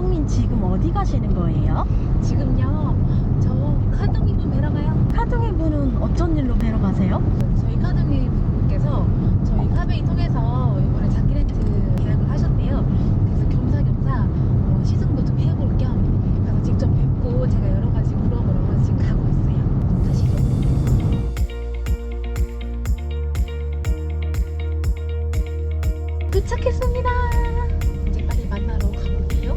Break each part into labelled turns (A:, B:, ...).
A: 민경님 지금 어디 가시는 거예요?
B: 지금요, 저 카둥이 분 뵈러 가요.
A: 카둥이 분은 어쩐 일로 뵈러 가세요?
B: 저희 카둥이 분께서 저희 카베이 통해서 이번에 장기 렌트 계약을 하셨대요. 그래서 겸사겸사 시승도 좀 해볼 겸 가서 직접 뵙고 제가 여러 가지 물어보러 지금 가고 있어요. 가시죠. 도착했습니다. 이제 빨리 만나러 가볼게요.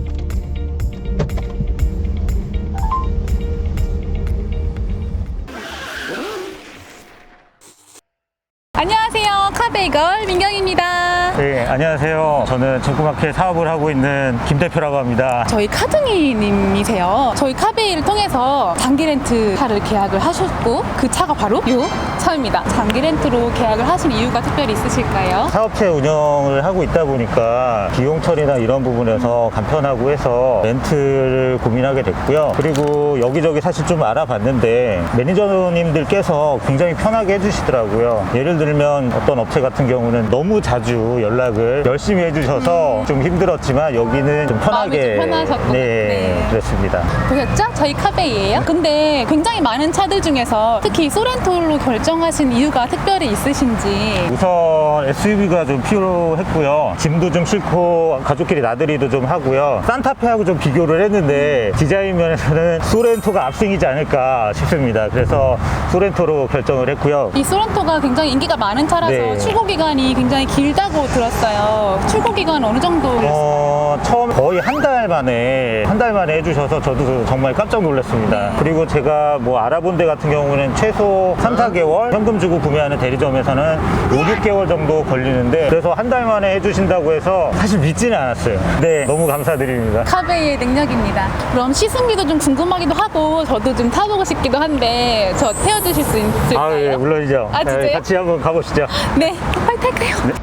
B: 안녕하세요. 카베이걸 민경입니다.
C: 네, 안녕하세요. 저는 중고마켓 사업을 하고 있는 김 대표라고 합니다.
B: 저희 카둥이님이세요. 저희 카베이를 통해서 장기 렌트 차를 계약을 하셨고 그 차가 바로 요 차입니다. 장기 렌트로 계약을 하신 이유가 특별히 있으실까요?
C: 사업체 운영을 하고 있다 보니까 비용 처리나 이런 부분에서 간편하고 해서 렌트를 고민하게 됐고요. 그리고 여기저기 사실 좀 알아봤는데 매니저님들께서 굉장히 편하게 해주시더라고요. 예를 들면 어떤 업체 같은 경우는 너무 자주 연락을 열심히 해주셔서 좀 힘들었지만 여기는 좀 편하게.
B: 마음이 좀 편하셨구나. 네.
C: 그랬습니다.
B: 보셨죠? 저희 카베이예요. 근데 굉장히 많은 차들 중에서 특히 소렌토로 결정하신 이유가 특별히 있으신지.
C: 우선 SUV가 좀 필요했고요. 짐도 좀 싣고 가족끼리 나들이도 좀 하고요. 산타페하고 좀 비교를 했는데 디자인 면에서는 소렌토가 압승이지 않을까 싶습니다. 그래서 소렌토로 결정을 했고요.
B: 이 소렌토가 굉장히 인기가 많은 차라서
C: 네.
B: 출고 기간이 굉장히 길다고 들었어요. 출고 기간 어느 정도?
C: 처음 거의 한 달 만에 해주셔서 저도 정말 깜짝 놀랐습니다. 그리고 제가 뭐 알아본 데 같은 경우는 최소 3, 4개월 현금 주고 구매하는 대리점에서는 5, 6개월 정도 걸리는데 그래서 한 달 만에 해주신다고 해서 사실 믿지는 않았어요. 네, 너무 감사드립니다.
B: 카베이의 능력입니다. 그럼 시승기도 좀 궁금하기도 하고 저도 좀 타보고 싶기도 한데 저 태워주실 수 있을까요?
C: 아, 예, 물론이죠.
B: 아, 진짜요?
C: 네, 같이 한번 가보시죠.
B: 네, 빨리 탈까요?
C: 네.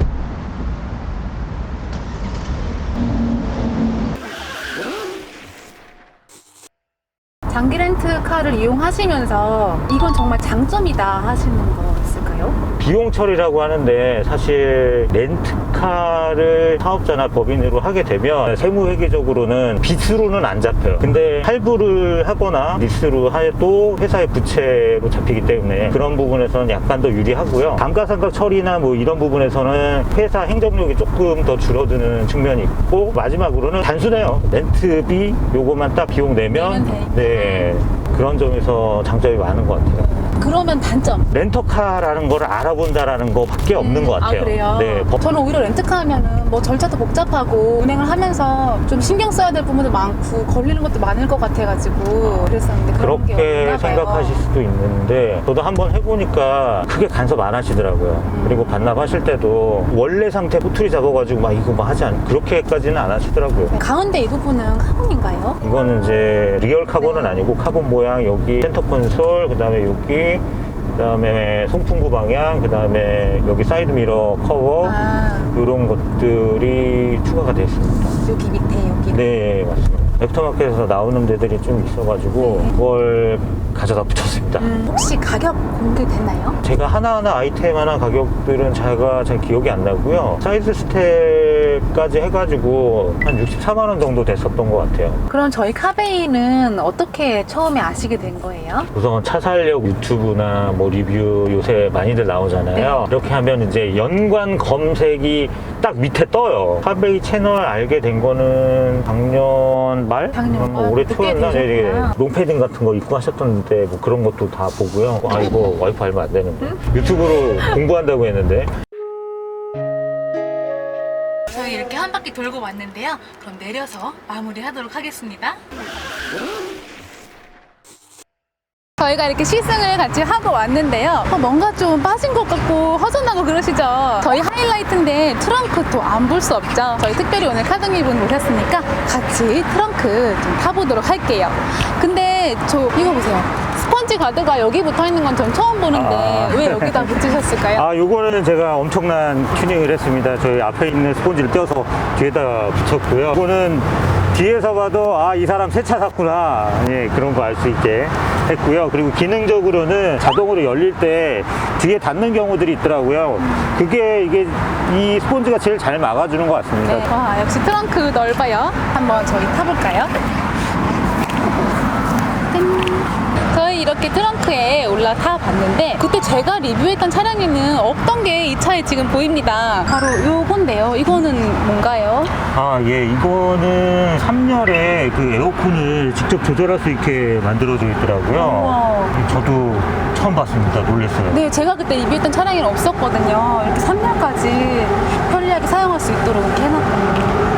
B: 장기 렌트카를 이용하시면서 이건 정말 장점이다 하시는 거 있을까요?
C: 비용 처리라고 하는데 사실 렌트카를 사업자나 법인으로 하게 되면 세무회계적으로는 빚으로는 안 잡혀요. 근데 할부를 하거나 리스로 해도 회사의 부채로 잡히기 때문에 그런 부분에서는 약간 더 유리하고요. 감가상각 처리나 뭐 이런 부분에서는 회사 행정력이 조금 더 줄어드는 측면이 있고 마지막으로는 단순해요. 렌트비 요거만 딱 비용 내면
B: 되니까.
C: 네, 그런 점에서 장점이 많은 것 같아요.
B: 그러면 단점.
C: 렌터카라는 걸 알아본다라는 거밖에 없는 것 같아요.
B: 아, 그래요?
C: 네,
B: 저는 오히려 렌트카 하면은 뭐 절차도 복잡하고 운행을 하면서 좀 신경 써야 될 부분도 많고 걸리는 것도 많을 것 같아가지고 그랬었는데 그런 게
C: 그렇게
B: 없나 봐요.
C: 생각하실 수도 있는데 저도 한번 해보니까 크게 간섭 안 하시더라고요. 그리고 반납하실 때도 원래 상태 꼬투리 잡아가지고 막 이거 뭐 하지 않 그렇게까지는 안 하시더라고요.
B: 가운데 이 부분은 카본인가요?
C: 이거는 이제 리얼 카본은 아니고 카본 모양 여기 센터 콘솔 그 다음에 여기 그 다음에 송풍구 방향 그 다음에 여기 사이드 미러 커버 이런 것들이 추가가 되어 있습니다.
B: 여기 밑에 여기.
C: 네, 맞습니다. 애프터마켓에서 나오는 데들이 좀 있어가지고 그걸 가져다 붙였습니다.
B: 혹시 가격 공개됐나요?
C: 제가 하나하나 아이템 하나 가격들은 제가 잘 기억이 안 나고요. 사이드 스텝까지 해가지고 한 64만 원 정도 됐었던 것 같아요.
B: 그럼 저희 카베이는 어떻게 처음에 아시게 된 거예요?
C: 우선 차 살력 유튜브나 뭐 리뷰 요새 많이들 나오잖아요. 이렇게 하면 이제 연관 검색이 딱 밑에 떠요. 카베이 채널 알게 된 거는 작년 말?
B: 작년 말?
C: 올해
B: 늦게
C: 초였나?
B: 되셨구나.
C: 롱패딩 같은 거 입고 하셨던데 뭐 그런 것도 다 보고요. 아, 이거 와이프 알면 안 되는데. 유튜브로 공부한다고 했는데.
B: 저희 이렇게 한 바퀴 돌고 왔는데요. 그럼 내려서 마무리하도록 하겠습니다. 저희가 이렇게 시승을 같이 하고 왔는데요. 뭔가 좀 빠진 것 같고 허전하고 그러시죠? 저희 하이라이트인데 트렁크도 안 볼 수 없죠. 저희 특별히 오늘 카둥이분 모셨으니까 같이 트렁크 좀 타보도록 할게요. 근데 저 이거 보세요. 스펀지 가드가 여기 붙어 있는 건 전 처음 보는데 왜 여기다 붙이셨을까요?
C: 아, 요거는 제가 엄청난 튜닝을 했습니다. 저희 앞에 있는 스폰지를 떼어서 뒤에다 붙였고요. 이거는 뒤에서 봐도 아, 이 사람 새 차 샀구나. 예, 그런 거 알 수 있게 했고요. 그리고 기능적으로는 자동으로 열릴 때 뒤에 닿는 경우들이 있더라고요. 그게 이게 이 스폰지가 제일 잘 막아주는 것 같습니다.
B: 네. 와, 역시 트렁크 넓어요. 한번 저희 타볼까요? 짠. 저희 이렇게 트렁크에 올라타 봤는데 그때 제가 리뷰했던 차량에는 없던 게 이 차에 지금 보입니다. 바로 요건데요. 이거는 뭔가요?
C: 아, 예, 이거는 3열에 그 에어컨을 직접 조절할 수 있게 만들어져 있더라고요.
B: 우와.
C: 저도 처음 봤습니다. 놀랐어요.
B: 네, 제가 그때 리뷰했던 차량에는 없었거든요. 이렇게 3년까지 편리하게 사용할 수 있도록 이렇게 해놨거든요.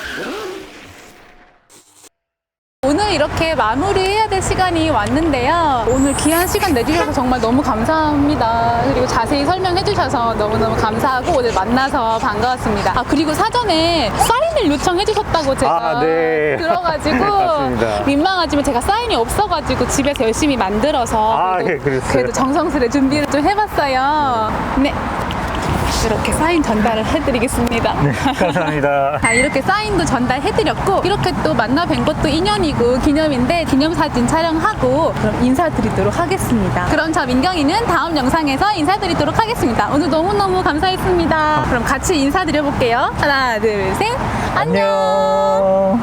B: 오늘 이렇게 마무리해야 될 시간이 왔는데요. 오늘 귀한 시간 내주셔서 정말 너무 감사합니다. 그리고 자세히 설명해 주셔서 너무너무 감사하고 오늘 만나서 반가웠습니다. 아, 그리고 사전에 사인을 요청해 주셨다고 제가
C: 아, 네.
B: 들어가지고
C: 맞습니다.
B: 민망하지만 제가 사인이 없어가지고 집에서 열심히 만들어서
C: 아,
B: 그래도,
C: 예, 그랬어요.
B: 그래도 정성스레 준비를 좀 해봤어요. 네. 이렇게 사인 전달을 해드리겠습니다.
C: 네, 감사합니다.
B: 자, 이렇게 사인도 전달해드렸고 이렇게 또 만나 뵌 것도 인연이고 기념인데 기념사진 촬영하고 그럼 인사드리도록 하겠습니다. 그럼 저 민경이는 다음 영상에서 인사드리도록 하겠습니다. 오늘 너무너무 감사했습니다. 그럼 같이 인사드려볼게요. 하나, 둘, 셋. 안녕.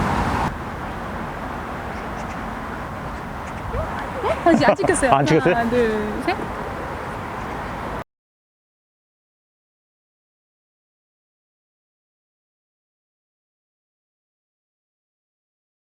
C: 안녕.
B: 다시 안 찍혔어요.
C: 안 찍혔어요?
B: 하나, 둘, 셋.